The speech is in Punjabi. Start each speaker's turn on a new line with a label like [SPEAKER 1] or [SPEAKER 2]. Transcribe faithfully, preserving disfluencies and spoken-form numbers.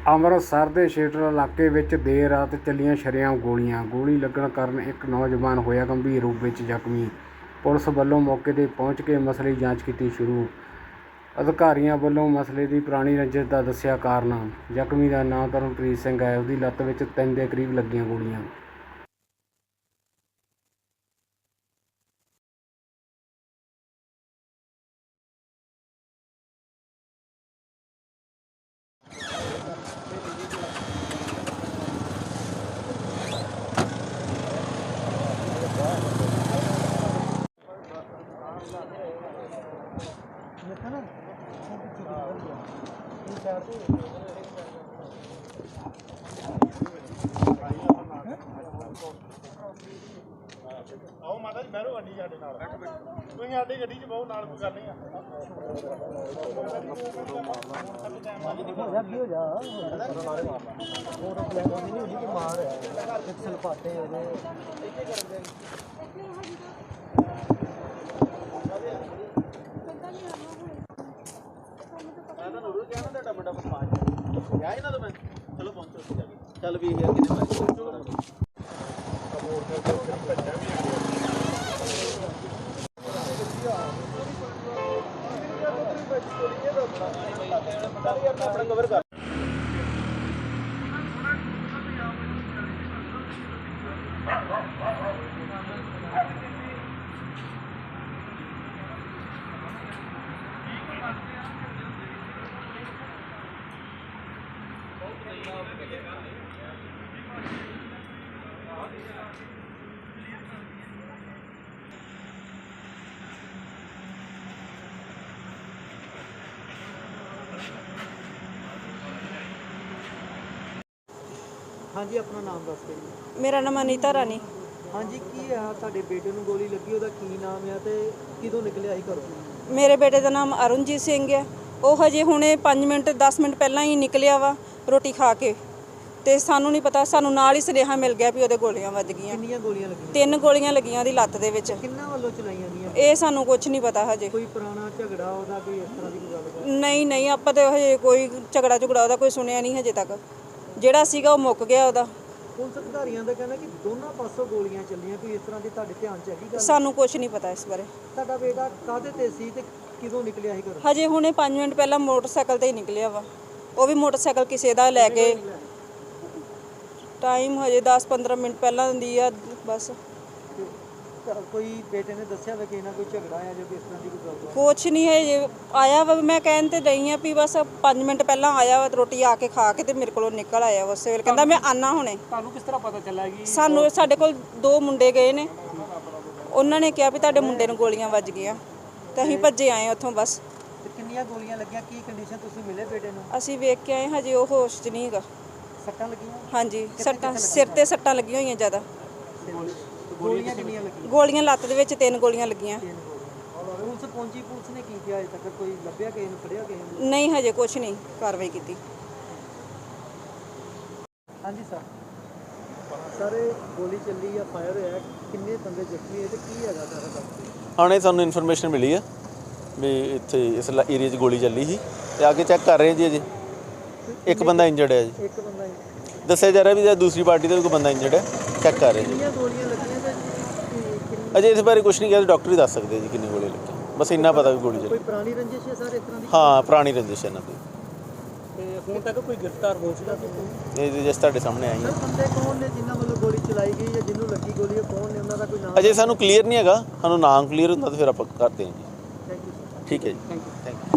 [SPEAKER 1] ਅੰਮ੍ਰਿਤਸਰ ਦੇ ਸ਼ੇਟਰ ਇਲਾਕੇ ਵਿੱਚ ਦੇਰ ਰਾਤ ਚੱਲੀਆਂ ਸ਼ਰੇਆਮ ਗੋਲੀਆਂ। ਗੋਲੀ ਲੱਗਣ ਕਾਰਨ ਇੱਕ ਨੌਜਵਾਨ ਹੋਇਆ ਗੰਭੀਰ ਰੂਪ ਵਿੱਚ ਜ਼ਖਮੀ। ਪੁਲਿਸ ਵੱਲੋਂ ਮੌਕੇ 'ਤੇ ਪਹੁੰਚ ਕੇ ਮਸਲੇ ਦੀ ਜਾਂਚ ਕੀਤੀ ਸ਼ੁਰੂ। ਅਧਿਕਾਰੀਆਂ ਵੱਲੋਂ ਮਸਲੇ ਦੀ ਪੁਰਾਣੀ ਰੰਜਿਸ਼ ਦਾ ਦੱਸਿਆ ਕਾਰਨ। ਜ਼ਖਮੀ ਦਾ ਨਾਂ ਤਰਨਪ੍ਰੀਤ ਸਿੰਘ ਹੈ। ਉਹਦੀ ਲੱਤ ਵਿੱਚ ਤਿੰਨ ਦੇ ਕਰੀਬ ਲੱਗੀਆਂ ਗੋਲੀਆਂ।
[SPEAKER 2] आओ माता जी बहरो गड्डी साडे नाल तुसीं साडी गड्डी च बहु नाल कोई गल नहीं हो जा फोटो प्लान नहीं होनी कि मार पिक्सल पाटे ओदे मैं तो नूरू कहना ਤੁਹਾਡਾ ਮੁੰਡਾ ਬਦਮਾਸ਼ ਗਿਆ ਇਹਨਾਂ ਤੋਂ ਮੈਂ ਚਲੋ ਪਹੁੰਚੋ ਉੱਥੇ ਜਾ ਕੇ ਚੱਲ ਵੀ ਇਹ ਕਿੰਨੇ ਮਾਰ अपना कवर कर हाँ जी अपना नाम दस के जी।
[SPEAKER 3] मेरा नाम अनीता रानी।
[SPEAKER 2] हाँ जी की है ਤੁਹਾਡੇ ਬੇਟੇ ਨੂੰ ਗੋਲੀ ਲੱਗੀ ਉਹਦਾ ਕੀ ਨਾਮ ਹੈ ਤੇ ਕਿਦੋਂ ਨਿਕਲਿਆ ਸੀ ਘਰੋਂ?
[SPEAKER 3] ਮੇਰੇ ਬੇਟੇ ਦਾ ਨਾਮ ਅਰੁਣਜੀਤ ਸਿੰਘ ਹੈ। ਉਹ ਹਜੇ ਹੁਣੇ ਪੰਜ ਮਿੰਟ ਦਸ ਮਿੰਟ ਪਹਿਲਾਂ ਹੀ ਨਿਕਲਿਆ ਵਾ ਰੋਟੀ ਖਾ ਕੇ ਤੇ ਸਾਨੂੰ ਨਹੀਂ ਪਤਾ, ਸਾਨੂੰ ਨਾਲ ਹੀ ਸੁਨੇਹਾ ਮਿਲ ਗਿਆ ਵੀ ਉਹਦੇ ਗੋਲੀਆਂ ਵੱਜ ਗਈਆਂ।
[SPEAKER 2] ਕਿੰਨੀਆਂ ਗੋਲੀਆਂ ਲੱਗੀਆਂ?
[SPEAKER 3] ਤਿੰਨ ਗੋਲੀਆਂ ਲੱਗੀਆਂ ਉਹਦੀ ਲੱਤ ਦੇ ਵਿੱਚ।
[SPEAKER 2] ਕਿੰਨਾਂ ਵੱਲੋਂ ਚਲਾਈਆਂ ਗਈਆਂ?
[SPEAKER 3] ਇਹ ਸਾਨੂੰ ਕੁਝ ਨਹੀਂ ਪਤਾ ਹਜੇ।
[SPEAKER 2] ਕੋਈ ਪੁਰਾਣਾ ਝਗੜਾ ਉਹਦਾ ਕੋਈ ਇਸ ਤਰ੍ਹਾਂ ਦੀ ਕੋਈ ਗੱਲ?
[SPEAKER 3] ਨਹੀਂ ਨਹੀਂ ਆਪਾਂ ਤੇ ਹਜੇ ਕੋਈ ਝਗੜਾ ਝਗੜਾ ਉਹਦਾ ਕੋਈ ਸੁਣਿਆ ਨਹੀਂ ਹਜੇ ਤੱਕ। ਜਿਹੜਾ ਸੀਗਾ ਉਹ ਮੁੱਕ ਗਿਆ ਉਹਦਾ।
[SPEAKER 2] ਪੁਲਿਸ ਅਧਿਕਾਰੀਆਂ ਦਾ ਕਹਿਣਾ ਕਿ ਦੋਨਾਂ ਪਾਸੋਂ ਗੋਲੀਆਂ ਚੱਲੀਆਂ, ਕੋਈ ਇਸ ਤਰ੍ਹਾਂ ਦੀ ਤੁਹਾਡੇ ਧਿਆਨ 'ਚ ਹੈਗੀ ਗੱਲ?
[SPEAKER 3] ਸਾਨੂੰ ਕੁਝ ਨਹੀਂ ਪਤਾ ਇਸ ਬਾਰੇ।
[SPEAKER 2] ਤੁਹਾਡਾ ਬੇਟਾ ਕਾਹਦੇ ਤੇ ਸੀ ਤੇ ਕਿਦੋਂ ਨਿਕਲਿਆ ਸੀ ਘਰੋਂ?
[SPEAKER 3] ਹਜੇ ਹੁਣੇ ਪੰਜ ਮਿੰਟ ਪਹਿਲਾਂ ਮੋਟਰਸਾਈਕਲ ਤੇ ਹੀ ਨਿਕਲਿਆ ਵਾ। ਉਹ ਵੀ ਮੋਟਰਸਾਈਕਲ ਕਿਸੇ ਦਾ ਲੈ ਕੇ। ਟਾਈਮ ਹਜੇ ਦਸ ਪੰਦਰਾਂ ਮਿੰਟ ਪਹਿਲਾਂ ਦੀ ਆ ਬਸ।
[SPEAKER 2] ਕੋਈ ਬੇਟੇ ਨੇ ਦੱਸਿਆ ਵਾ ਕਿ ਇਹਨਾਂ ਕੋਈ ਝਗੜਾ ਆ ਜਾਂ ਕਿਸ ਤਰ੍ਹਾਂ ਦੀ ਕੋਈ ਗੱਲ?
[SPEAKER 3] ਕੁਛ ਨਹੀਂ ਹੈ ਜੇ ਆਇਆ ਵਾ। ਮੈਂ ਕਹਿਣ ਤੇ ਰਹੀ ਹਾਂ ਵੀ ਬਸ ਪੰਜ ਮਿੰਟ ਪਹਿਲਾਂ ਆਇਆ ਵਾ, ਰੋਟੀ ਆ ਕੇ ਖਾ ਕੇ ਤੇ ਮੇਰੇ ਕੋਲੋਂ ਨਿਕਲ ਆਇਆ ਉਸੇ ਵੇਲੇ। ਕਹਿੰਦਾ ਮੈਂ ਆਨਾ ਹੁਣੇ।
[SPEAKER 2] ਤੁਹਾਨੂੰ ਕਿਸ ਤਰ੍ਹਾਂ ਪਤਾ ਚੱਲਿਆ ਕਿ
[SPEAKER 3] ਸਾਨੂੰ ਸਾਡੇ ਕੋਲ ਦੋ ਮੁੰਡੇ ਗਏ ਨੇ, ਉਹਨਾਂ ਨੇ ਕਿਹਾ ਵੀ ਤੁਹਾਡੇ ਮੁੰਡੇ ਨੂੰ ਗੋਲੀਆਂ ਵੱਜ ਗਈਆਂ ਤੇ ਅਸੀਂ ਭੱਜੇ ਆਏ ਉੱਥੋਂ ਬਸ।
[SPEAKER 2] ਤੇ ਕਿੰਨੀਆਂ ਗੋਲੀਆਂ ਲੱਗੀਆਂ? ਕੀ ਕੰਡੀਸ਼ਨ ਤੁਸੀਂ ਮਿਲੇ ਬੇਟੇ ਨੂੰ?
[SPEAKER 3] ਅਸੀਂ ਵੇਖ ਕੇ ਆਏ ਹਜੇ ਉਹ ਹੋਸ਼ 'ਚ ਨਹੀਂ ਹੈਗਾ।
[SPEAKER 2] ਸੱਟਾਂ ਲੱਗੀਆਂ?
[SPEAKER 3] ਹਾਂਜੀ ਸੱਟਾਂ ਸਿਰ ਤੇ ਸੱਟਾਂ ਲੱਗੀਆਂ ਹੋਈਆਂ ਜ਼ਿਆਦਾ।
[SPEAKER 2] ਗੋਲੀਆਂ ਕਿੰਨੀਆਂ ਲੱਗੀਆਂ?
[SPEAKER 3] ਗੋਲੀਆਂ ਲੱਤ ਦੇ ਵਿੱਚ ਤਿੰਨ ਗੋਲੀਆਂ ਲੱਗੀਆਂ।
[SPEAKER 2] ਪੁਲਿਸ ਪਹੁੰਚੀ, ਪੁਲਿਸ ਨੇ ਕੀ ਕੀਤਾ ਅਜੇ ਤੱਕ? ਕੋਈ ਲੱਭਿਆ ਕਿਸੇ ਨੂੰ, ਫੜਿਆ ਕਿਸੇ ਨੂੰ?
[SPEAKER 3] ਨਹੀਂ ਹਜੇ ਕੁਛ ਨਹੀਂ ਕਾਰਵਾਈ ਕੀਤੀ।
[SPEAKER 2] ਹਾਂਜੀ ਸਰ ਸਰ ਗੋਲੀ ਚੱਲੀ ਆ, ਫਾਇਰ ਹੋਇਆ, ਕਿੰਨੇ ਬੰਦੇ ਜ਼ਖਮੀ ਹੋਏ ਤੇ ਕੀ ਹੈਗਾ ਸਾਰਾ ਦੱਸੋ?
[SPEAKER 4] ਹੁਣੇ ਸਾਨੂੰ ਇਨਫੋਰਮੇਸ਼ਨ ਮਿਲੀ ਆ ਵੀ ਇੱਥੇ ਇਸ ਏਰੀਆ 'ਚ ਗੋਲੀ ਚੱਲੀ ਸੀ ਤੇ ਆ ਕੇ ਚੈੱਕ ਕਰ ਰਹੇ ਜੀ। ਅਜੇ ਇੱਕ ਬੰਦਾ ਇੰਜਰਡ ਹੈ ਜੀ।
[SPEAKER 2] ਇੱਕ ਬੰਦਾ
[SPEAKER 4] ਦੱਸਿਆ ਜਾ ਰਿਹਾ ਵੀ ਦੂਸਰੀ ਪਾਰਟੀ ਦਾ ਵੀ ਕੋਈ ਬੰਦਾ ਇੰਜਰਡ ਹੈ, ਚੈੱਕ ਕਰ ਰਹੇ ਜੀ।
[SPEAKER 2] ਕਿੰਨੀਆਂ ਗੋਲੀਆਂ ਲੱਗੀਆਂ ਤੇ
[SPEAKER 4] ਅਜੇ ਇਸ ਬਾਰੇ ਕੁਝ ਨਹੀਂ ਕਿਹਾ, ਡਾਕਟਰ ਹੀ ਦੱਸ ਸਕਦੇ ਜੀ ਕਿੰਨੀ ਗੋਲੀ ਲੱਗੀ। ਬਸ ਇੰਨਾ ਪਤਾ ਵੀ ਗੋਲੀ
[SPEAKER 2] ਕੋਈ
[SPEAKER 4] ਚੱਲੀ।
[SPEAKER 2] ਪੁਰਾਣੀ ਰੰਜਿਸ਼ ਹੈ ਸਰ ਇਸ ਤਰ੍ਹਾਂ ਦੀ?
[SPEAKER 4] ਹਾਂ ਪੁਰਾਣੀ ਰੰਜਿਸ਼ ਹੈ ਇਹਨਾਂ ਦੀ।
[SPEAKER 2] ਤੇ ਹੁਣ ਤੱਕ ਕੋਈ ਗ੍ਰਿਫਤਾਰ ਹੋ ਚੁੱਕਾ ਸੀ?
[SPEAKER 4] ਇਹ ਜਿਸ ਤੁਹਾਡੇ ਸਾਹਮਣੇ ਆਈ ਹੈ।
[SPEAKER 2] ਸਰ ਬੰਦੇ ਕੌਣ ਨੇ ਜਿਨ੍ਹਾਂ ਵੱਲੋਂ ਗੋਲੀ ਚਲਾਈ ਗਈ ਜਾਂ ਜਿਹਨੂੰ ਲੱਗੀ ਗੋਲੀ, ਉਹ ਕੌਣ ਨੇ, ਉਹਨਾਂ ਦਾ ਕੋਈ ਨਾਮ?
[SPEAKER 4] ਅਜੇ ਸਾਨੂੰ ਕਲੀਅਰ ਨਹੀਂ ਹੈਗਾ, ਸਾਨੂੰ ਨਾਮ ਕਲੀਅਰ ਹੁੰਦਾ ਤਾਂ ਫਿਰ ਆਪਾਂ ਕਰਦੇ ਹਾਂ ਜੀ।
[SPEAKER 2] Thank you sir.
[SPEAKER 4] ਠੀਕ ਹੈ ਜੀ, ਥੈਂਕ ਯੂ।